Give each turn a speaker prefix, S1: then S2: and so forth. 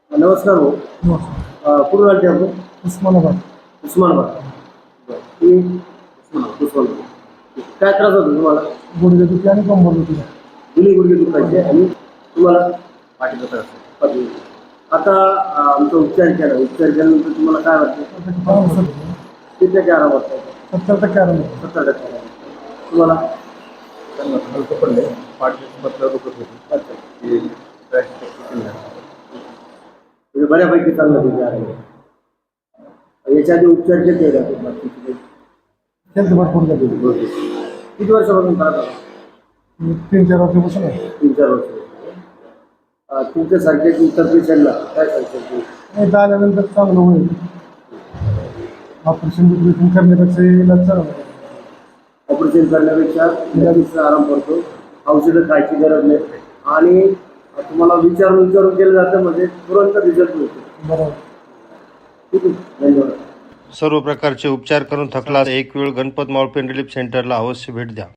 S1: नमस्कार भाऊ. कुठून आले आपण?
S2: उस्मानाबाद.
S1: उस्मानाबाद. बरं. उस्मानाबाद. काय त्रास होतो तुम्हाला?
S2: गुडघेदुखी आणि कंबर दुखी.
S1: दोन्ही गुडघे दुखायचे आणि तुम्हाला पाठीचा त्रास. पाठी. आता आमचा उपचार केल्यानंतर तुम्हाला काय वाटतं? किती टक्के आराम वाटतो?
S2: 70% आराम.
S1: 70% आराम. तुम्हाला
S3: हलकं पडले पाठीमध्ये दुखत होती.
S1: अच्छा.
S3: की
S1: म्हणजे बऱ्यापैकी चांगलं तुमचे आराम. याच्या आधी उपचार केले का तुम्हाला?
S2: हेल्थ भरपूर झाली.
S1: किती वर्षापासून त्रास झाला?
S2: 3-4 वर्षापासून आहे.
S1: 3-4 वर्ष. तुमच्यासारख्या इतर पेशंटला काय सांगतो?
S2: एकदा आल्यानंतर चांगलं होईल. ऑपरेशन करण्यापेक्षा इलाज चांगला आहे.
S1: ऑपरेशन करण्यापेक्षा इलाजचा आराम पडतो. औषधं खायची गरज नाही आणि तुम्हाला विचारून केलं जातं म्हणजे तुरंत रिझल्ट मिळतो.
S2: बरोबर.
S1: ठीक आहे, धन्यवाद.
S4: सर्व प्रकारचे उपचार करून थकला एक वेळ गणपत मावळ पेन रिलीफ सेंटरला अवश्य भेट द्या.